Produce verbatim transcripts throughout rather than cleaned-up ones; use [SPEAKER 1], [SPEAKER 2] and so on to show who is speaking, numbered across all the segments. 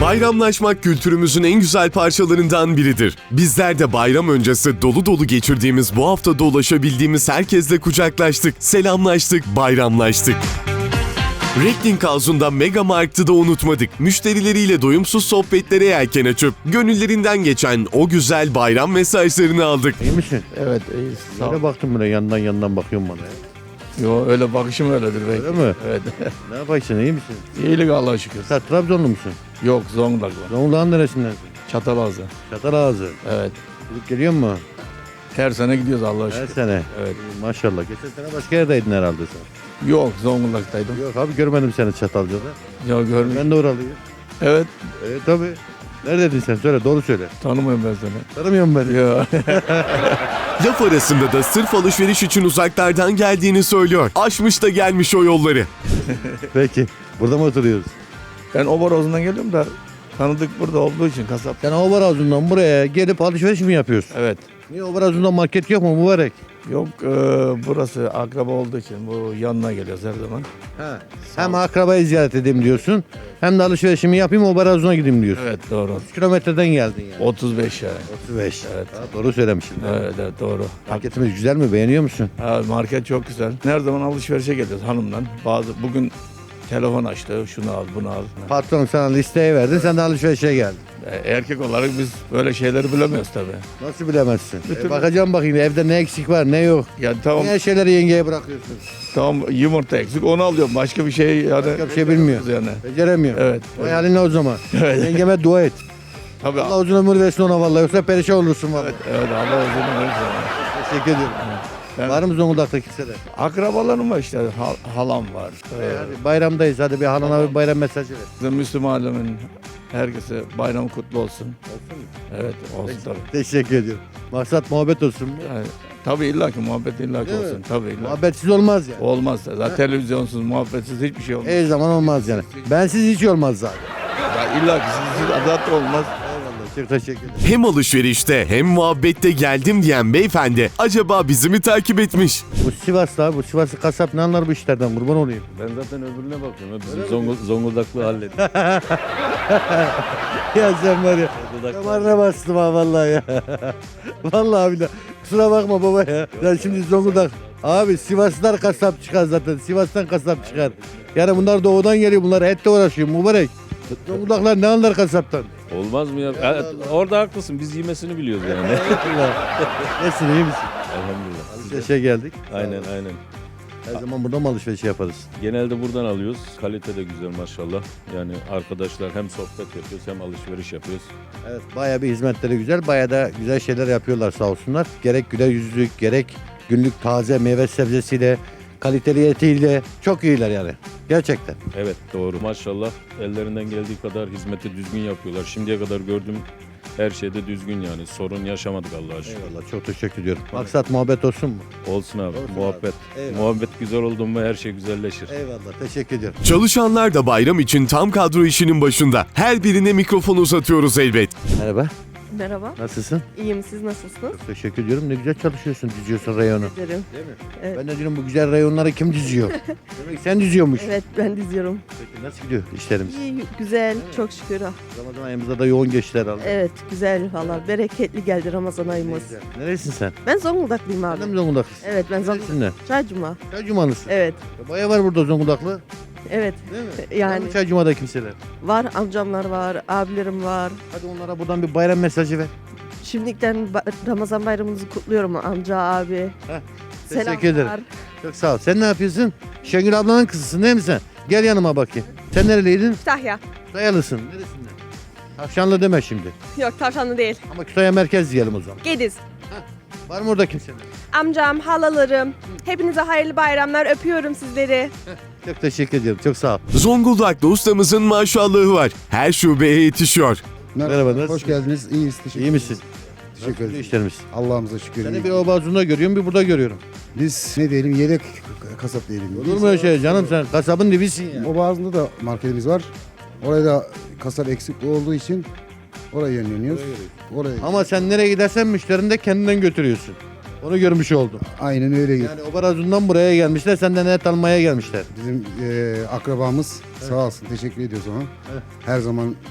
[SPEAKER 1] Bayramlaşmak kültürümüzün en güzel parçalarından biridir. Bizler de bayram öncesi dolu dolu geçirdiğimiz bu haftada ulaşabildiğimiz herkesle kucaklaştık, selamlaştık, bayramlaştık. Recklinghausen'da Mega Markt'ı da unutmadık. Müşterileriyle doyumsuz sohbetlere yelken açıp gönüllerinden geçen o güzel bayram mesajlarını aldık.
[SPEAKER 2] İyi misin?
[SPEAKER 3] Evet, iyiyiz. Sağ ol.
[SPEAKER 2] Öyle baktım buraya yandan yandan bakıyorum bana ya.
[SPEAKER 3] Yo, öyle bakışım öyledir belki.
[SPEAKER 2] Öyle mi?
[SPEAKER 3] Evet.
[SPEAKER 2] Ne yaparsın, iyi misin?
[SPEAKER 3] İyilik Allah'a şükür.
[SPEAKER 2] Sen Trabzonlu musun?
[SPEAKER 3] Yok, Zonguldak'la.
[SPEAKER 2] Zonguldak'ın neresindensin?
[SPEAKER 3] Çatalazı.
[SPEAKER 2] Çatalazı.
[SPEAKER 3] Evet.
[SPEAKER 2] Gidip geliyor mu?
[SPEAKER 3] Her sene gidiyoruz Allah'a
[SPEAKER 2] Her
[SPEAKER 3] şükür.
[SPEAKER 2] sene.
[SPEAKER 3] Evet.
[SPEAKER 2] Maşallah. Geçen sene başka yerdeydin herhalde sen.
[SPEAKER 3] Yok, Zonguldak'taydım.
[SPEAKER 2] Yok abi görmedim seni Çatalca'da.
[SPEAKER 3] Yok, görmüş.
[SPEAKER 2] Ben de oralıyım.
[SPEAKER 3] Evet.
[SPEAKER 2] E tabii. Neredeydin sen? Söyle, doğru söyle.
[SPEAKER 3] Tanımıyorum ben seni.
[SPEAKER 2] Tanımıyor musun beni?
[SPEAKER 3] Yok.
[SPEAKER 1] Laf arasında da sırf alışveriş için uzaklardan geldiğini söylüyor. Aşmış da gelmiş o yolları.
[SPEAKER 2] Peki. Burada mı oturuyoruz?
[SPEAKER 3] Ben Oboroz'dan geliyorum da tanıdık burada olduğu için kasap.
[SPEAKER 2] Sen Obarazun'dan buraya gelip alışveriş mi yapıyorsun?
[SPEAKER 3] Evet.
[SPEAKER 2] Niye Obarazun'da market yok mu mübarek?
[SPEAKER 3] Yok, e, burası akraba olduğu için bu yanına geliyoruz her zaman.
[SPEAKER 2] Ha. Hem akrabayı ziyaret edeyim diyorsun, hem de alışverişimi yapayım Obarazun'a gideyim diyorsun.
[SPEAKER 3] Evet, doğru.
[SPEAKER 2] Kilometreden geldin yani.
[SPEAKER 3] otuz beş yani.
[SPEAKER 2] otuz beş.
[SPEAKER 3] Evet.
[SPEAKER 2] Ha, doğru söylemişsin.
[SPEAKER 3] Evet, evet, doğru.
[SPEAKER 2] Marketimiz güzel mi? Beğeniyor musun?
[SPEAKER 3] Ha, market çok güzel. Her zaman alışverişe geliyoruz hanımdan. Bazı bugün telefon açtı. Şunu al, bunu al.
[SPEAKER 2] Patron sana listeye verdi, sen de alışverişe geldin.
[SPEAKER 3] E, Erkek olarak biz böyle şeyleri bilemiyoruz tabii.
[SPEAKER 2] Nasıl bilemezsin?
[SPEAKER 3] Bütün-
[SPEAKER 2] E, bakacağım bakayım evde ne eksik var, ne yok.
[SPEAKER 3] Yani tamam,
[SPEAKER 2] Niye her şeyleri yengeye bırakıyorsun?
[SPEAKER 3] tamam yumurta eksik onu alıyorum. Başka bir şey yani.
[SPEAKER 2] Başka bir şey bilmiyor.
[SPEAKER 3] Yani.
[SPEAKER 2] Beceremiyor.
[SPEAKER 3] Evet.
[SPEAKER 2] Vay haline o zaman.
[SPEAKER 3] Evet.
[SPEAKER 2] Yengeme dua et.
[SPEAKER 3] Tabii.
[SPEAKER 2] Allah uzun ömür versin ona vallahi, yoksa perişan olursun vallahi.
[SPEAKER 3] Evet, Allah uzun ömür versin.
[SPEAKER 2] Teşekkür ediyorum.
[SPEAKER 3] Ben-
[SPEAKER 2] Var mı Zonguldak'ta kimseler?
[SPEAKER 3] Akrabalarım var işte. hal- halam var.
[SPEAKER 2] E,
[SPEAKER 3] Ee,
[SPEAKER 2] hadi bayramdayız, hadi bir halana bir bayram mesajı ver.
[SPEAKER 3] bizim Müslüman alemin herkese bayram kutlu olsun. Evet, olsun tabii.
[SPEAKER 2] Teşekkür ediyorum. Maksat muhabbet olsun mu?
[SPEAKER 3] Yani, tabii illaki muhabbet illaki
[SPEAKER 2] Değil mi?
[SPEAKER 3] olsun. Tabii illaki.
[SPEAKER 2] Muhabbetsiz olmaz yani.
[SPEAKER 3] Olmaz. Zaten televizyonsuz, muhabbetsiz hiçbir şey olmaz.
[SPEAKER 2] Her zaman olmaz yani. Bensiz hiç olmaz zaten.
[SPEAKER 3] Ya illa ki siz zaten olmaz.
[SPEAKER 2] Eyvallah, çok teşekkür ederim.
[SPEAKER 1] Hem alışverişte hem muhabbette geldim diyen beyefendi acaba bizi mi takip etmiş?
[SPEAKER 2] Bu Sivaslı abi, bu Sivaslı kasap ne anlar bu işlerden, kurban olayım.
[SPEAKER 4] Ben zaten öbürüne bakıyorum. Bizim Zongul- Zonguldaklı hallettim.
[SPEAKER 2] Ya sen var ya,
[SPEAKER 4] Zonguldaklı.
[SPEAKER 2] damarına bastım ha vallahi ya. Vallahi billahi. Kusura bakma baba ya. Ya şimdi Zonguldak. Abi Sivaslılar kasap çıkar zaten. Sivas'tan kasap çıkar. Yani bunlar doğudan geliyor. Bunlar etle uğraşıyor mübarek. Zonguldaklar ne anlar kasaptan?
[SPEAKER 4] Olmaz mı ya? Evet, orada haklısın. Biz yemesini biliyoruz yani.
[SPEAKER 2] Nesin, iyi misin?
[SPEAKER 4] Elhamdülillah.
[SPEAKER 2] Alışverişe geldik.
[SPEAKER 4] Aynen aynen.
[SPEAKER 2] Her zaman burada mı alışveriş yaparız?
[SPEAKER 4] Genelde buradan alıyoruz. Kalite de güzel maşallah. Yani arkadaşlar hem sohbet yapıyoruz hem alışveriş yapıyoruz.
[SPEAKER 2] Evet, bayağı bir hizmetleri güzel. Bayağı da güzel şeyler yapıyorlar sağ olsunlar. Gerek güler yüzlülük, gerek günlük taze meyve sebzesiyle, kaliteli etiyle çok iyiler yani. Gerçekten.
[SPEAKER 4] Evet doğru. Maşallah ellerinden geldiği kadar hizmeti düzgün yapıyorlar. Şimdiye kadar gördüğüm her şeyde düzgün yani. Sorun yaşamadık Allah'a şükür.
[SPEAKER 2] Eyvallah, çok teşekkür ediyorum. Maksat muhabbet olsun mu?
[SPEAKER 4] Olsun abi.
[SPEAKER 2] Olsun
[SPEAKER 4] muhabbet.
[SPEAKER 2] abi. Eyvallah.
[SPEAKER 4] Muhabbet güzel oldu mu her şey güzelleşir.
[SPEAKER 2] Eyvallah, teşekkür ediyorum.
[SPEAKER 1] Çalışanlar da bayram için tam kadro işinin başında. Her birine mikrofon uzatıyoruz elbet.
[SPEAKER 2] Merhaba,
[SPEAKER 5] Merhaba,
[SPEAKER 2] nasılsın?
[SPEAKER 5] iyiyim. Siz nasılsınız?
[SPEAKER 2] Çok teşekkür ediyorum. Ne güzel çalışıyorsun, diziyorsun reyonu.
[SPEAKER 5] Ederim.
[SPEAKER 2] Değil mi?
[SPEAKER 5] Evet.
[SPEAKER 2] Ben de diyorum bu güzel reyonları kim diziyor? Demek sen diziyormuş.
[SPEAKER 5] Evet, ben diziyorum.
[SPEAKER 2] Peki nasıl gidiyor işlerimiz?
[SPEAKER 5] İyi, güzel, çok şükür.
[SPEAKER 2] Ramazan ayımızda da yoğun geçti herhalde.
[SPEAKER 5] Evet, güzel valla. Bereketli geldi Ramazan
[SPEAKER 2] Ne
[SPEAKER 5] ayımız.
[SPEAKER 2] güzel. Neresin sen?
[SPEAKER 5] Ben Zonguldaklıyım
[SPEAKER 2] Sen de mi
[SPEAKER 5] abi.
[SPEAKER 2] Zonguldaklısın?
[SPEAKER 5] Evet, ben Zonguldak.
[SPEAKER 2] Neresinden?
[SPEAKER 5] Çaycuma.
[SPEAKER 2] Çaycumalısın.
[SPEAKER 5] Evet,
[SPEAKER 2] Bayağı var burada Zonguldaklı.
[SPEAKER 5] evet.
[SPEAKER 2] Değil mi?
[SPEAKER 5] Yani-
[SPEAKER 2] Var mı Çaycuma'da kimseler?
[SPEAKER 5] Var, amcamlar var, abilerim var.
[SPEAKER 2] Hadi onlara buradan bir bayram mesajı ver.
[SPEAKER 5] Şimdiden ba- Ramazan bayramınızı kutluyorum amca, abi.
[SPEAKER 2] Teşekkür ederim.
[SPEAKER 5] Selamlar.
[SPEAKER 2] Çok sağ ol. Sen ne yapıyorsun? Şengül ablanın kızısın değil mi sen? Gel yanıma bakayım. Sen nereliydin?
[SPEAKER 6] Kütahya.
[SPEAKER 2] Dayalısın. Neresinden? Tavşanlı deme şimdi.
[SPEAKER 6] Yok tavşanlı değil.
[SPEAKER 2] Ama Kütahya merkez diyelim o zaman.
[SPEAKER 6] Gediz.
[SPEAKER 2] Var mı orada kimseler?
[SPEAKER 6] Amcam, halalarım. Hepinize hayırlı bayramlar. Öpüyorum sizleri.
[SPEAKER 2] Çok teşekkür ediyorum. Çok sağ ol.
[SPEAKER 1] Zonguldak'ta ustamızın maşallahı var. Her şubeye yetişiyor.
[SPEAKER 2] Merhaba, nasılsın?
[SPEAKER 7] Hoş geldiniz. İyiyiz. Teşekkür
[SPEAKER 2] İyi misin?
[SPEAKER 7] Teşekkür
[SPEAKER 2] Nasıl
[SPEAKER 7] ederim.
[SPEAKER 2] işlerimiz?
[SPEAKER 7] Allah'ımıza şükür.
[SPEAKER 2] Seni
[SPEAKER 7] iyi.
[SPEAKER 2] bir Obazun'da görüyorum, bir burada görüyorum.
[SPEAKER 7] Biz ne diyelim yedek kasap diyelim.
[SPEAKER 2] Olur mu öyle şey canım, sen kasabın dibisin ya.
[SPEAKER 7] O bazında da marketimiz var. Oraya da kasap eksik olduğu için oraya yönleniyoruz. Oraya.
[SPEAKER 2] Ama sen nereye gidersen müşterini de kendinden götürüyorsun. Onu görmüş oldum.
[SPEAKER 7] Aynen öyle.
[SPEAKER 2] Yani Obarazun'dan buraya gelmişler, senden et almaya gelmişler.
[SPEAKER 7] Bizim e, akrabamız sağ olsun teşekkür ediyoruz ona.
[SPEAKER 2] Evet.
[SPEAKER 7] Her zaman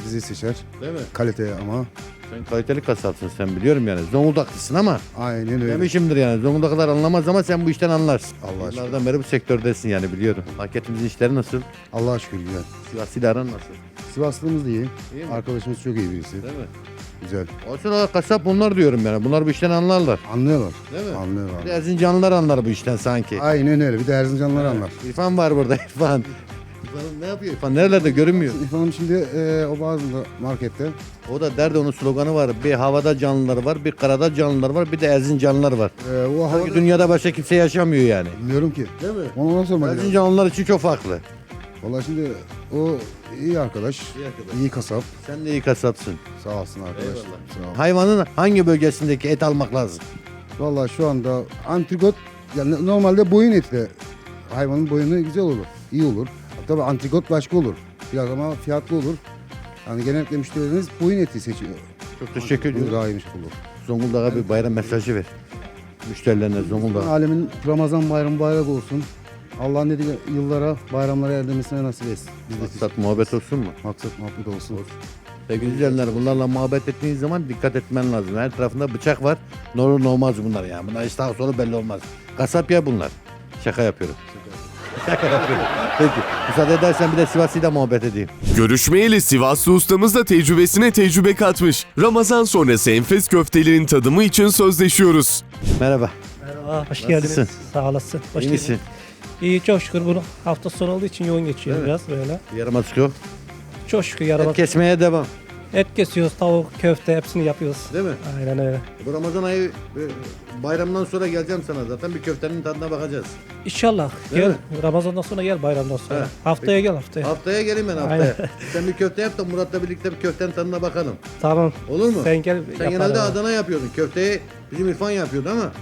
[SPEAKER 7] bizi seçer.
[SPEAKER 2] Değil mi?
[SPEAKER 7] Kalite ama.
[SPEAKER 2] Sen kaliteli kasapsın sen biliyorum yani. Zonguldaklısın ama.
[SPEAKER 7] Aynen öyle.
[SPEAKER 2] Demişimdir yani. Zonguldaklılar anlamaz ama sen bu işten anlarsın.
[SPEAKER 7] Allah aşkına.
[SPEAKER 2] Yıllardan beri bu sektördesin yani biliyorum. Marketimizin işleri nasıl?
[SPEAKER 7] Allah'a şükür güzel.
[SPEAKER 2] Sivas'ıyla aran nasıl?
[SPEAKER 7] Sivaslığımız da iyi.
[SPEAKER 2] İyi mi?
[SPEAKER 7] Arkadaşımız çok iyi birisi.
[SPEAKER 2] Değil mi?
[SPEAKER 7] Güzel.
[SPEAKER 2] Olsun o kasap bunlar diyorum yani. Bunlar bu işten anlarlar.
[SPEAKER 7] Anlıyorlar.
[SPEAKER 2] Değil mi?
[SPEAKER 7] Anlıyorlar.
[SPEAKER 2] Bir de Erzincanlılar anlar bu işten sanki.
[SPEAKER 7] Aynen öyle. Bir de Erzincanlılar anlar.
[SPEAKER 2] İrfan var burada İrfan. İrfan ne yapıyor? İrfan nerelerde görünmüyor.
[SPEAKER 7] İrfan'ım şimdi e, o bazı markette.
[SPEAKER 2] O da derdi onun sloganı var. Bir havada canlılar var, bir karada canlılar var, bir de Erzincanlılar var.
[SPEAKER 7] E, o
[SPEAKER 2] Sanki
[SPEAKER 7] havada...
[SPEAKER 2] dünyada başka kimse yaşamıyor yani.
[SPEAKER 7] Bilmiyorum ki.
[SPEAKER 2] Değil mi?
[SPEAKER 7] Onu ona sormak lazım.
[SPEAKER 2] Erzincanlılar için çok farklı.
[SPEAKER 7] Valla şimdi o iyi arkadaş.
[SPEAKER 2] İyi arkadaş.
[SPEAKER 7] İyi kasap.
[SPEAKER 2] Sen de iyi kasapsın.
[SPEAKER 7] Sağ olsun arkadaş.
[SPEAKER 2] Eyvallah.
[SPEAKER 7] Sağ ol.
[SPEAKER 2] Hayvanın hangi bölgesindeki et almak lazım?
[SPEAKER 7] Valla şu anda antrikot yani normalde boyun eti de hayvanın boyunu güzel olur. İyi olur. Tabii antrikot başka olur. Biraz ama fiyatlı olur. Yani genellikle müşterilerimiz boyun eti seçiyor.
[SPEAKER 2] Çok teşekkür
[SPEAKER 7] Bu
[SPEAKER 2] ediyorum.
[SPEAKER 7] daha iyiymiş olur.
[SPEAKER 2] Zonguldak'a bir bayram mesajı ver. Müşterilerine Zonguldak.
[SPEAKER 7] Alemin Ramazan bayramı bayrak olsun. Allah ne diye yıllara, bayramlara erdirmesine nasip etsin. Biz de
[SPEAKER 2] Maksat muhabbet olsun mu?
[SPEAKER 7] maksat muhabbet olsun.
[SPEAKER 2] Sevgili izleyenler bunlarla muhabbet ettiğiniz zaman dikkat etmen lazım. Her tarafında bıçak var. Ne olur ne olmaz bunlar yani. Bunlar hiç sağa sola belli olmaz. Kasap ya bunlar. Şaka yapıyorum. Şaka yapıyorum. Peki. Müsaade edersen bir de Sivas'ıyla muhabbet edeyim.
[SPEAKER 1] Görüşmeyeli Sivaslı ustamız da tecrübesine tecrübe katmış. Ramazan sonrası enfes köftelerin tadımı için sözleşiyoruz.
[SPEAKER 2] Merhaba.
[SPEAKER 8] Merhaba, hoş
[SPEAKER 2] Nasılsın?
[SPEAKER 8] geldiniz. Sağ olasın. Hoş
[SPEAKER 2] İyi
[SPEAKER 8] geldin.
[SPEAKER 2] misin?
[SPEAKER 8] İyi, çok şükür. Bunu hafta sonu olduğu için yoğun geçiyor
[SPEAKER 2] Değil mi?
[SPEAKER 8] biraz böyle.
[SPEAKER 2] Yarıma çıkıyor.
[SPEAKER 8] Çok şükür yarama
[SPEAKER 2] Et kesmeye devam.
[SPEAKER 8] et kesiyoruz, tavuk, köfte hepsini yapıyoruz.
[SPEAKER 2] Değil mi?
[SPEAKER 8] Aynen öyle.
[SPEAKER 2] Bu Ramazan ayı e, bayramdan sonra geleceğim sana zaten. Bir köftenin tadına bakacağız.
[SPEAKER 8] İnşallah.
[SPEAKER 2] Değil
[SPEAKER 8] Gel.
[SPEAKER 2] mi?
[SPEAKER 8] Ramazan'dan sonra gel, bayramdan sonra.
[SPEAKER 2] He.
[SPEAKER 8] Haftaya gel haftaya.
[SPEAKER 2] Haftaya geleyim ben haftaya.
[SPEAKER 8] Aynen.
[SPEAKER 2] Sen bir köfte yap da Murat'la birlikte bir köftenin tadına bakalım.
[SPEAKER 8] Tamam.
[SPEAKER 2] Olur mu?
[SPEAKER 8] Sen gel.
[SPEAKER 2] Sen
[SPEAKER 8] yapalım.
[SPEAKER 2] genelde Adana yapıyordun. Köfteyi bizim İrfan yapıyordu ama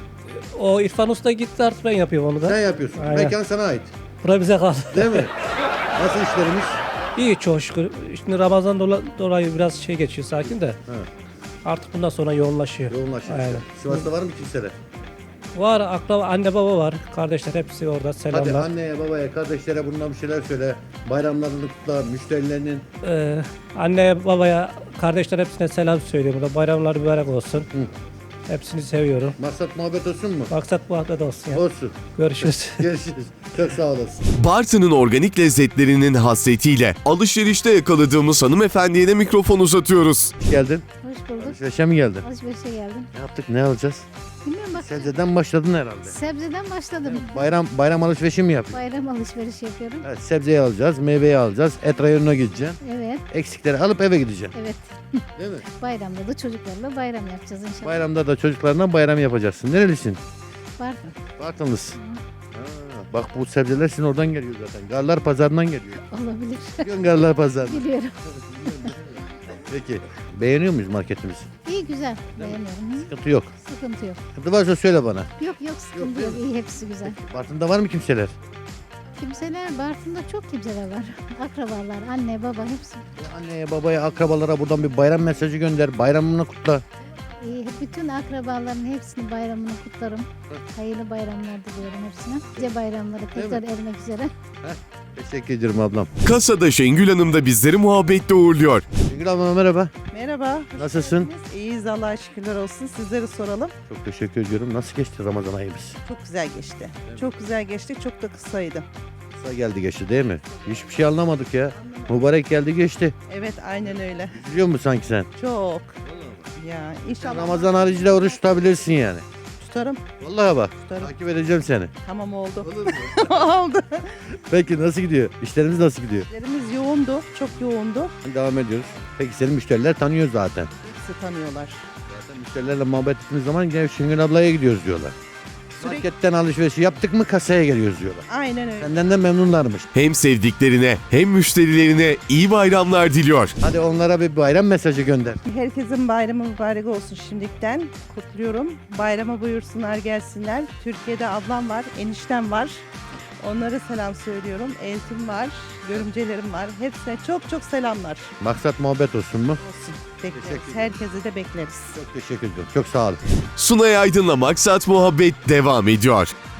[SPEAKER 8] O İrfan Usta gitti, artık ben yapıyorum onu da.
[SPEAKER 2] sen yapıyorsun.
[SPEAKER 8] Aynen.
[SPEAKER 2] Mekan sana ait.
[SPEAKER 8] Bura bize kaldı.
[SPEAKER 2] Değil mi? Nasıl işlerimiz?
[SPEAKER 8] İyi, çok şükür. Şimdi Ramazan dola- dolayı biraz şey geçiyor sakin de.
[SPEAKER 2] Ha,
[SPEAKER 8] Artık bundan sonra yoğunlaşıyor.
[SPEAKER 2] yoğunlaşıyor.
[SPEAKER 8] Aynen.
[SPEAKER 2] Sivas'ta var mı kimseler?
[SPEAKER 8] Var, akraba, anne baba var. Kardeşler hepsi orada.
[SPEAKER 2] Hadi
[SPEAKER 8] Selamlar.
[SPEAKER 2] anneye, babaya, kardeşlere bundan bir şeyler söyle. Bayramlarını kutla, müşterilerinin.
[SPEAKER 8] Ee, anneye, babaya, kardeşler hepsine selam söylüyorum. Burada bayramlar mübarek olsun. Hepsini seviyorum.
[SPEAKER 2] Maksat muhabbet olsun mu?
[SPEAKER 8] Maksat bu hafta da olsun ya.
[SPEAKER 2] Olsun.
[SPEAKER 8] Görüşürüz.
[SPEAKER 2] Görüşürüz. Çok sağ olasın.
[SPEAKER 1] Bartın'ın organik lezzetlerinin hasretiyle alışverişte yakaladığımız hanımefendiye de mikrofon uzatıyoruz.
[SPEAKER 2] Geldin.
[SPEAKER 9] Hoş bulduk.
[SPEAKER 2] Alışverişe mi geldin?
[SPEAKER 9] Alışverişe geldim.
[SPEAKER 2] Ne yaptık, ne alacağız?
[SPEAKER 9] Bilmiyorum bak.
[SPEAKER 2] Sebzeden başladın herhalde.
[SPEAKER 9] Sebzeden başladım.
[SPEAKER 2] Bayram bayram alışverişi mi yapıyorsun?
[SPEAKER 9] Bayram alışveriş yapıyorum.
[SPEAKER 2] Evet, sebzeyi alacağız, meyveyi alacağız, et rayonuna gideceksin.
[SPEAKER 9] Evet,
[SPEAKER 2] Eksikleri alıp eve gideceksin.
[SPEAKER 9] evet.
[SPEAKER 2] Değil mi?
[SPEAKER 9] Bayramda da çocuklarla bayram yapacağız inşallah.
[SPEAKER 2] Bayramda da çocuklarına bayram yapacaksın. Nerelisin?
[SPEAKER 9] Var.
[SPEAKER 2] Bartınlısın. Ha, bak bu sebzeler sizin oradan geliyor zaten. Garlar pazarından geliyor.
[SPEAKER 9] Olabilir.
[SPEAKER 2] Biliyorsun Garlar pazarından.
[SPEAKER 9] Biliyorum.
[SPEAKER 2] Peki. Beğeniyor muyuz marketimizi?
[SPEAKER 9] İyi güzel. Beğeniyorum. Hı?
[SPEAKER 2] Sıkıntı yok.
[SPEAKER 9] Sıkıntı yok.
[SPEAKER 2] Sıkıntı varsa söyle bana.
[SPEAKER 9] Yok yok sıkıntı yok. İyi hepsi güzel.
[SPEAKER 2] Bartın'da var mı kimseler?
[SPEAKER 9] Kimseler Bartın'da çok kimseler var. Akrabalar, anne, baba hepsi.
[SPEAKER 2] Anneye, babaya, akrabalara buradan bir bayram mesajı gönder. Bayramını kutla.
[SPEAKER 9] İyi, bütün akrabaların hepsini bayramını kutlarım. Hayırlı bayramlar diliyorum hepsine. Nice bayramları tekrar ermek üzere.
[SPEAKER 2] Teşekkür ederim ablam.
[SPEAKER 1] Kasada Şengül Hanım da bizleri muhabbetle uğurluyor.
[SPEAKER 2] Şengül ablam merhaba.
[SPEAKER 10] Merhaba. hoş
[SPEAKER 2] Nasılsın?
[SPEAKER 10] geldiniz. İyiyiz Allah'a şükürler olsun. Sizleri soralım.
[SPEAKER 2] Çok teşekkür ediyorum. Nasıl geçti Ramazan ayımız?
[SPEAKER 10] Çok güzel geçti. Çok güzel geçti. Çok da kısaydı.
[SPEAKER 2] Kısa geldi geçti değil mi? Hiçbir şey anlamadık ya. Mübarek geldi geçti.
[SPEAKER 10] Evet aynen öyle.
[SPEAKER 2] Biliyor musun sanki sen?
[SPEAKER 10] Çok. Ya inşallah
[SPEAKER 2] Ramazan haricinde oruç tutabilirsin yani.
[SPEAKER 10] tutarım.
[SPEAKER 2] Vallahi bak.
[SPEAKER 10] Tutarım.
[SPEAKER 2] Takip edeceğim seni.
[SPEAKER 10] Tamam oldu. Oldu.
[SPEAKER 2] Peki nasıl gidiyor? İşlerimiz nasıl gidiyor?
[SPEAKER 10] İşlerimiz yoğundu. Çok yoğundu.
[SPEAKER 2] Devam ediyoruz. Peki senin müşteriler tanıyor zaten.
[SPEAKER 10] Hepsi tanıyorlar.
[SPEAKER 2] Zaten müşterilerle muhabbet ettiğimiz zaman gel Şengül ablaya gidiyoruz diyorlar.
[SPEAKER 10] Sürekli-
[SPEAKER 2] Marketten alışverişi yaptık mı kasaya geliyoruz diyorlar.
[SPEAKER 10] Aynen öyle.
[SPEAKER 2] Senden de memnunlarmış.
[SPEAKER 1] Hem sevdiklerine hem müşterilerine iyi bayramlar diliyor.
[SPEAKER 2] Hadi onlara bir bayram mesajı gönder.
[SPEAKER 10] Herkesin bayramı mübarek olsun şimdiden. Kutluyorum. Bayrama buyursunlar gelsinler. Türkiye'de ablam var, eniştem var. Onlara selam söylüyorum. Eltim var, görümcelerim var. Hepsine çok çok selamlar.
[SPEAKER 2] Maksat muhabbet olsun mu?
[SPEAKER 10] Olsun. Bekleriz.
[SPEAKER 2] Teşekkür ederim.
[SPEAKER 10] Herkesi de bekleriz.
[SPEAKER 2] Çok teşekkür ederim. Çok sağ olun.
[SPEAKER 1] Sunay Aydın'la Maksat Muhabbet devam ediyor.